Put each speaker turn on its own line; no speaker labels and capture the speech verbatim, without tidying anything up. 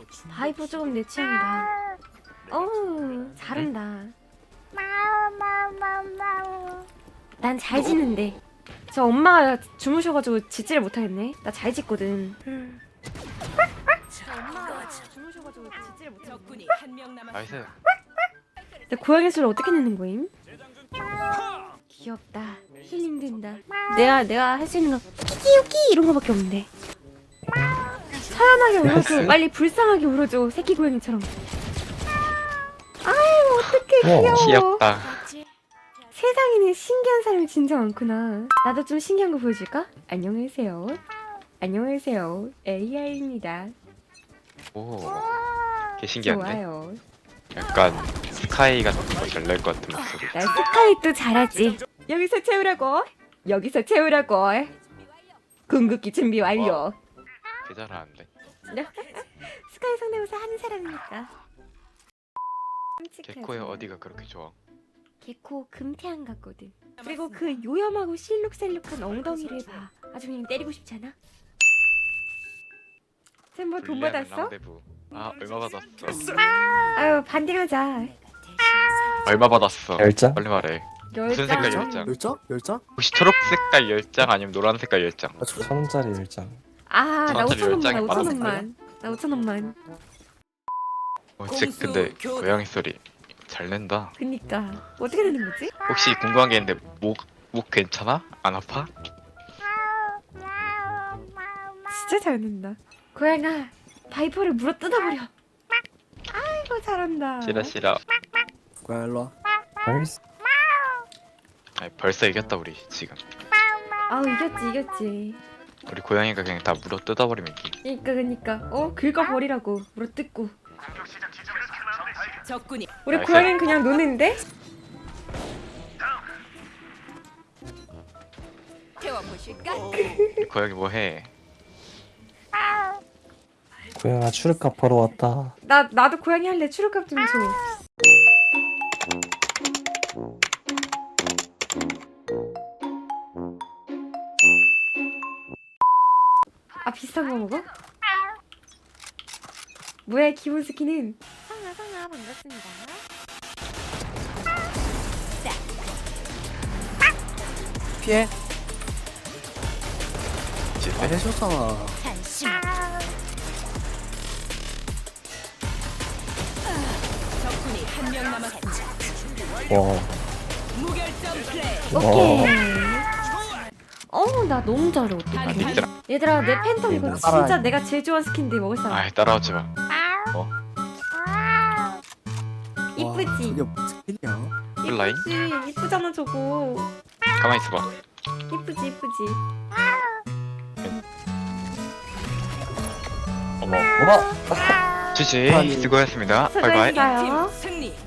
바이브 조금 내 취향이다. 어우 잘한다. 난 잘 지는데. 저 엄마가 주무셔가지고 짖지를 못하겠네. 나 잘 짖거든. 저 엄마가 주무셔가지고 짖지를 못하겠네.
나이스.
내 고양이 소리 어떻게 내는 거임? 귀엽다. 힐링 된다. 내가 내가 할 수 있는 건 키키우키 이런 거밖에 없는데. 차연하게 울어줘. 빨리 불쌍하게 울어줘. 새끼 고양이처럼. 아유 어떡해 귀여워.
귀엽다.
세상에는 신기한 사람이 진짜 많구나. 나도 좀 신기한 거 보여줄까? 안녕하세요. 안녕하세요. 에이아이입니다.
오, 개 신기한데?
좋아요.
약간 스카이 같은 거 잘 낼 것 같은 목소리.
나 스카이도 잘하지. 여기서 채우라고. 여기서 채우라고. 궁극기 준비 완료.
개 잘하는데.
스카이 성대모사 하는 사람이니까.
개코의 어디가 그렇게 좋아?
개코 금태한 같거든. 그리고 그 요염하고 실룩셀룩한 엉덩이를 봐. 아주 그냥 때리고 싶잖아. 쌤뭐 돈
불리하는
받았어?
랑데부. 아, 얼마 받았어?
아유 반딩하자.
얼마 받았어?
열장?
빨리 말해. 무슨 색깔 열장?
열장? 열장?
혹시 초록 색깔 열장 아니면 노란 색깔 열장?
아, 저
천 원짜리 열장.
아, 나
저한테
오천 원만, 나
열장이
오천
많았을
원만. 나 오천 원만.
어, 즉 근데 고양이 소리 잘 낸다.
그니까 어떻게 되는 거지?
혹시 궁금한 게 있는데 목, 목 괜찮아? 안 아파?
진짜 잘 낸다. 고양아, 바이퍼를 물어 뜯어버려. 아이고 잘한다.
싫어 싫어.
고양이 일로 와.
알겠어.
아니, 벌써 이겼다 우리 지금.
아우 이겼지 이겼지.
우리 고양이가 그냥 다 물어 뜯어버리면 이기.
그니까 그니까 어 긁어버리라고 물어 뜯고.
적군이
우리
나이스.
고양이는 그냥 노는데?
태워보실까?
우리 고양이 뭐해?
고양아 출입값 보러 왔다.
나 나도 고양이 할래. 출혈값 좀 줘. 아 비싼 거 먹어? 뭐야 기본 스킨은? 상아 상아 반갑습니다.
피해. 아,
진짜?
해줬잖아.
적군이 한 명 남았습니다.
와.
무결점 플레이.
오케이. 어우 나 너무 잘해 어떡하냐.
얘들아,
얘들아 내 팬텀 이거 진짜
따라해.
내가 제일 좋아하는 스킨인데 먹을 사람.
아이 따라오지 마.
이쁘지?
이게 무슨 일이야?
플라잉?
이쁘지? 이쁘잖아 저거.
가만히 있어봐.
이쁘지 이쁘지.
어머.
뭐라?
지지
아니.
수고했습니다. 바이바이.
수고했어요.
팀 승리.